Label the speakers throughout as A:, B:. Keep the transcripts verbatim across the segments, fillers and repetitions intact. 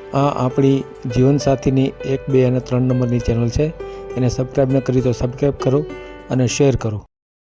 A: આ આપણી જીવનસાથીની એક બે અને ત્રણ નંબરની ચેનલ છે. એને સબસ્ક્રાઈબ ન કરી તો સબસ્ક્રાઈબ કરો અને શેર કરો.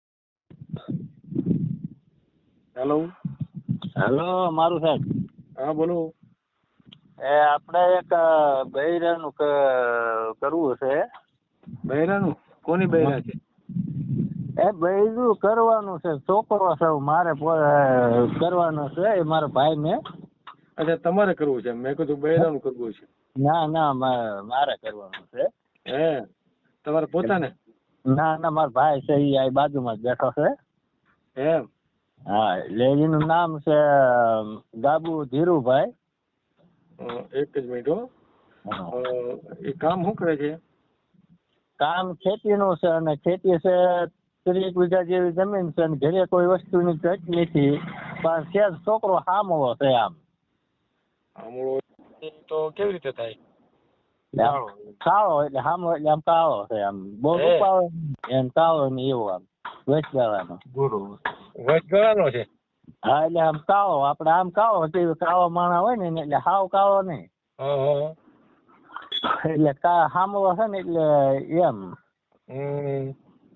B: હેલો
C: હેલો મારું સાહેબ.
B: હા બોલો.
C: એ આપણે એક બૈરાનું ક- કરવું છે.
B: બૈરાનું? કોની બૈરા છે?
C: એ બૈરું કરવાનું છે. છોકરો છે મારે પો- કરવાનો છે એ મારા ભાઈને.
B: અચ્છા, તમારે કરવું છે? મેં કીધું બૈરાનું કરવું છે.
C: ના ના મા- મારે કરવાનું છે.
B: હે, તમારે પોતાને?
C: ના ના મારા ભાઈ છે એ આ બાજુમાં જ બેઠો છે.
B: એમ?
C: હા, એટલે એનું નામ છે ગાબુ ધીરુભાઈ.
B: અ, એક જ મિનિટ હો.
C: હા.
B: અ, એ કામ શું કરે છે?
C: કામ ખેતીનું છે અને ખેતી છે ત્રીસ વીઘા જેવી જમીન છે અને ઘરે કોઈ વસ્તુની ઘટ નથી. પણ છે જ છોકરો હામળો છે આમ.
B: આમળો તો કેવી રીતે થાય?
C: કાળો કાળો એટલે હામળો એટલે આમ કાળો છે આમ. બહુ
B: હે.
C: રૂપાળો એમ કાળો ને એવો આમ વચગાળાનો.
B: વચગાળાનો છે?
C: હા, એટલે આમ કાળો આપણે આમ કાળો છે કાળો માણા હોય ને એટલે હાવ કાળો નહીં.
B: હા હા.
C: એટલે કા હામળો છે ને એટલે એમ.
B: હમ.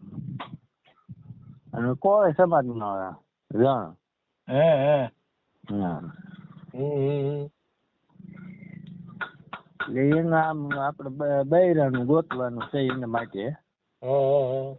C: અને કોઈ સમાજનો રણ.
B: હે હે.
C: હા.
B: હમ.
C: એટલે એનું આમ આપણે બ- બૈરાનું ગોતવાનું છે એના માટે.
B: હા.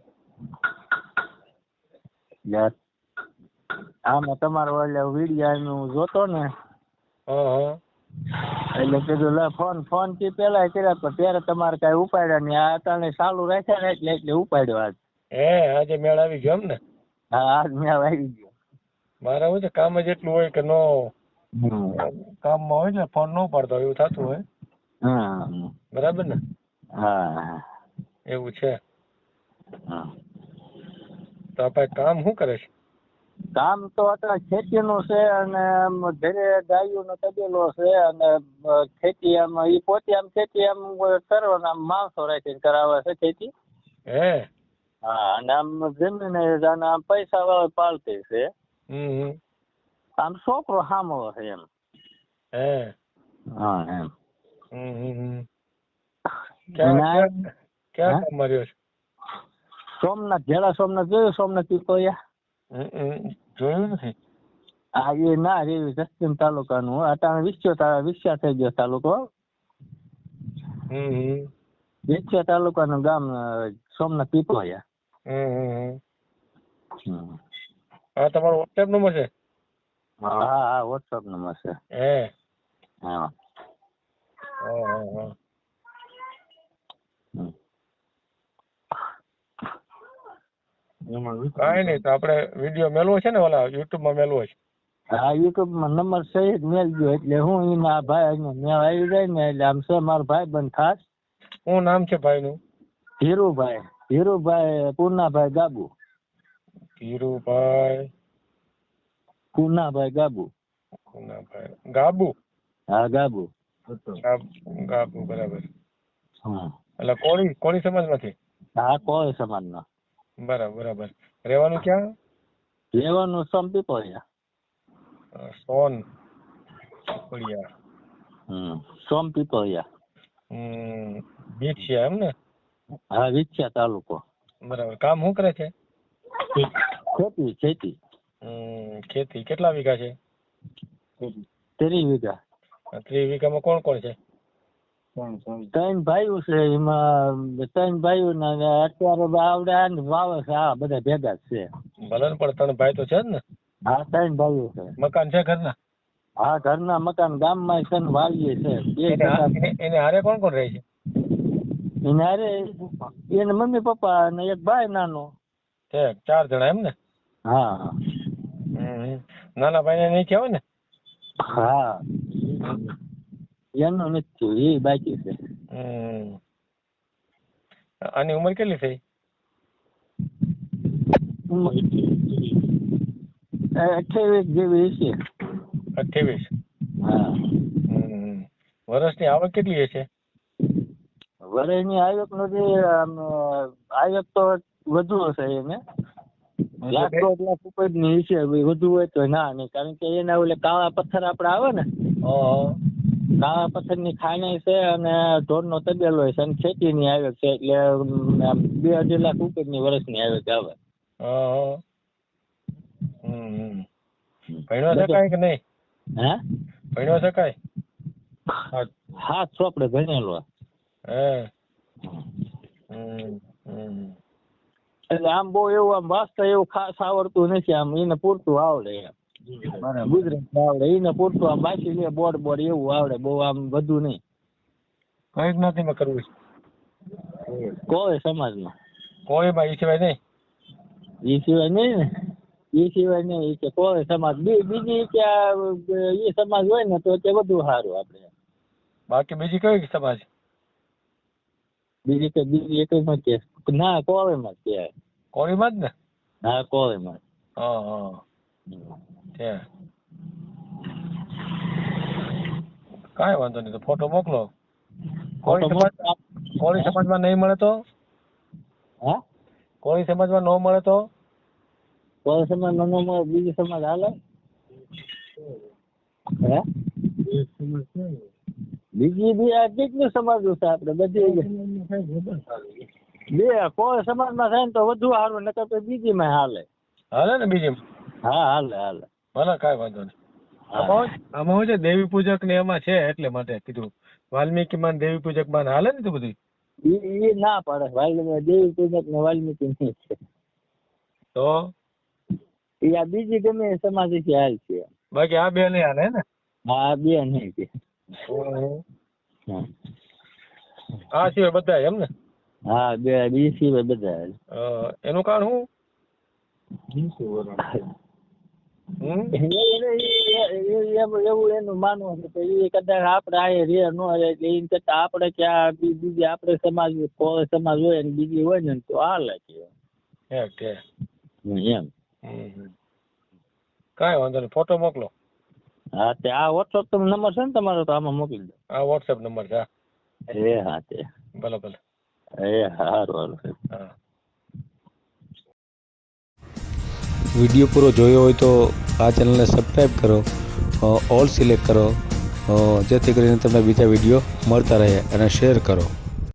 C: એટલે આમાં તમારો એટલે વિડિયાનું જોતો ને
B: હા.
C: એટલે કીધું લે ફોન ફોન થી પેલા કર્યા પણ ત્યારે તમારે કઈ ઉપાડ્યા નહીં. આ અટાણે ચાલુ રાખ્યા ને એટલે એટલે ઉપાડ્યો આજ.
B: હે, આજે મેળ આવી ગયો એમ ને?
C: હા, આજ મેં આવી ગયો.
B: મારે શું છે, કામ જ એટલું હોય કે નો
C: હમ.
B: કામમાં હોય ને ફોન ન પાડતો એવું થતું હોય.
C: હા
B: બરાબર ને?
C: હા
B: એવું છે.
C: હા.
B: તો આપણે કામ શું કરે છે?
C: કામ તો અત્યારે ખેતીનું છે અને આમ ઘરે ગાયોનો તબેલો છે અને અ, ખેતી આમ ઈ પોતે આમ ખેતી આમ કરવાના આમ માણસો રાખીને કરાવે છે ખેતી.
B: હે.
C: હા, અને આમ જમીન અને આમ પૈસા વાળા પાલતી છે.
B: હમ.
C: આમ છોકરો હામળો છે એમ.
B: હે.
C: હા એમ.
B: હમ. ક્યાં
C: અને આ-
B: ક્યાં ક્યાં
C: હા?
B: કામમાં રહ્યો છે?
C: સોમનાથ જેડા સોમનાથ જોયું? સોમનાથ પીપળિયા.
B: હમ, જોયું નથી.
C: હા, એ ના રેવી પશ્ચિમ તાલુકાનું અટાણે વિસ્યો વિસ્યા થઈ ગયો તાલુકો.
B: હમ.
C: વિસ્યા તાલુકાનું ગામ અ, સોમનાથ પીપળિયા.
B: હમ.
C: હમ.
B: હા, તમારો વોટ્સએપ નંબર છે?
C: હા હા વોટ્સઅપ નંબર છે.
B: હે.
C: હા.
B: હા હા હા.
C: હમ.
B: કાંઈ નહીં, તો આપણે વિડીયો મેલવો છે ને ઓલા યુટ્યુબમાં મેલવો છે?
C: હા, યુટ્યુબમાં નંબર સહિત મેળજો એટલે હું એના ભાઈ મેં આવી જાય ને એટલે આમ છે મારો ભાઈ બંધ ખાસ.
B: શું નામ છે ભાઈનું?
C: ધીરુભાઈ ધીરુભાઈ પૂનાભાઈ ગાબુ.
B: ધીરુભાઈ
C: પૂનાભાઈ ગાબુ.
B: પૂનાભાઈ ગાબુ.
C: હા ગાબુ.
B: ગાબુ ગાબુ, બરાબર.
C: હા
B: એટલે કોળી કોળી સમાજમાંથી?
C: હા કોઈ સમાજનો.
B: બરાબર બરાબર. રહેવાનું ક્યાં?
C: લેવાનું સંપી પડ્યા.
B: અ, સોન પીપળિયા.
C: હમ સોમ પીપળિયા.
B: હમ. બીચ છે એમ ને?
C: હા વિછ્યા તાલુકો.
B: બરાબર. કામ શું કરે છે?
C: ખેતી ખેતી.
B: હમ. ખેતી કેટલા વીઘા છે?
C: ત્રીસ વીઘા.
B: ત્રીસ વીઘામાં કોણ કોણ છે?
C: ત્રણ ભાઈઓ છે એમાં ત્રણ ભાઈઓ ને અત્યારે આવડે આ ને વાવે છે આ બધા ભેગા જ છે.
B: ભલે ને, પણ ત્રણ ભાઈ તો છે જ ને?
C: હા ત્રણ ભાઈઓ છે.
B: મકાન છે ઘરના?
C: હા ઘરના મકાન ગામમાં છે ને વાડીએ છે. બે
B: એને
C: ટકા
B: એને એને હારે કોણ કોણ રહે છે?
C: એને હારે એને મમ્મી પપ્પા અને એક ભાઈ નાનો.
B: છે ચાર જણા એમ ને?
C: હા હા.
B: હમ. નાના ભાઈને નહીં કહેવાય ને?
C: હા એનું નથી થયું એ બાકી છે.
B: હમ. આની ઉંમર કેટલી થઈ?
C: અઠ્યાવીસ જેવી છે.
B: અઠ્યાવીસ.
C: હા.
B: હમ. વર્ષની આવક કેટલી હશે?
C: વરેની આવક નથી આમ આવક તો વધુ હશે એને. લાખ દોઢ લાખ ઉપરની છે વધુ હોય તો ના નહીં કારણ કે એના ઓલે કાળા પથ્થર આપડે આવે ને
B: હા
C: કાળા પથ્થરની ખાણી છે અને ઢોરનો તબેલો છે અને ખેતીની આવક છે એટલે અમ, બે અઢી લાખ ઉપરની વર્ષની આવક આવે.
B: હા હા. હમ હમ. ભણ્યો છે કાંઈ કે નહીં?
C: હે
B: ભણ્યો છે કાંઈ? હા.
C: હાથ ચોપડે ભણેલો.
B: હે. હમ હમ.
C: એટલે આમ બહુ એવું આમ વાંચતા એવું ખાસ આવડતું નથી. આમ એને પૂરતું આવડે એમ. ગુજરાતી આવડે એને પૂરતું આમ વાંચી લે બોર્ડ બોર્ડ એવું આવડે બહુ આમ બધું નહીં.
B: કઈ જ્ઞાતિમાં કરવું છે?
C: કોઈ સમાજમાં
B: કોઈમાં ઈ સિવાય નહીં?
C: એ સિવાય નહીં ને એ સિવાય નહીં ઈ કે કોઈ સમાજ બી બીજી કે આ, એ સમાજ હોય ને તો તે વધુ સારું આપણે.
B: બાકી બીજી કઈ સમાજ?
C: બીજી કે બીજી એક માં કે ના કોળીમાં જ કહેવાય.
B: કોળીમાં જ ને?
C: હા કોળીમાં જ.
B: હા હા. ત્યાં કાંઈ વાંધો નહીં, તો ફોટો મોકલો. કોળી
C: ફોટો
B: સમાજ
C: મોકલો.
B: કોળી સમાજમાં નહીં મળે તો?
C: હા
B: કોળી સમાજમાં ન મળે તો?
C: કોળી સમાજ નો મળે બીજી સમાજ હાલે? હે બીજી બી આ કેટલું સમાજો છે આપણે બધી બે કોઈ સમાજમાં થાય ને તો વધુ સારું નકર તો બીજીમાં હાલે.
B: હાલે ને બીજી?
C: હા હાલે હાલે.
B: ભલે કાંઈ વાંધો નહીં.
C: હા.
B: આમાં આમાં શું છે, દેવી પૂજક ને એમાં છે એટલે માટે કીધું. વાલ્મીકી માં ને દેવી પૂજક માં હાલે ને તો બધું?
C: ઈ ઈ ના પાડે વાલ્મીકી દેવી પૂજક ને વાલ્મીકી નહીં છે.
B: તો
C: એ આ બીજી ગમે એ સમાજ થી હાલ છે.
B: બાકી આ બે નહીં હાલે ને?
C: હા બે નહીં છે. હા.
B: આ સિવાય બધા એમ ને?
C: હા બે બી સિવાય બધા હાલે.
B: અ, એનું કારણ શું? હમ?
C: એને ઈ- એ- એવું એવું એનું માનવું છે કે એ કદાચ આપણે આ રે ન રે એટલે એમ કરતા આપણે કે આ બી- બીજી આપણે સમાજ કોઈ સમાજ હોય ને બીજી હોય ને તો હાલે છે
B: ઠીક ઠીક.
C: એમ.
B: હમ. કાંઈ વાંધો નહીં, ફોટો મોકલો.
C: હા તે આ વોટ્સઅપ તમે નંબર છે ને તમારો તો આમાં મોકલી દો.
B: આ વોટ્સએપ નંબર છે. હા.
C: એ હા તે
B: ભલે ભલે.
C: એ સારું હારું.
B: હા.
A: વિડીયો પૂરો જોયો હોય તો આ ચેનલને સબસ્ક્રાઈબ કરો, અ, ઓલ સિલેક્ટ કરો, અ, જેથી કરીને તમને બીજા વિડીયો મળતા રહે અને શેર કરો.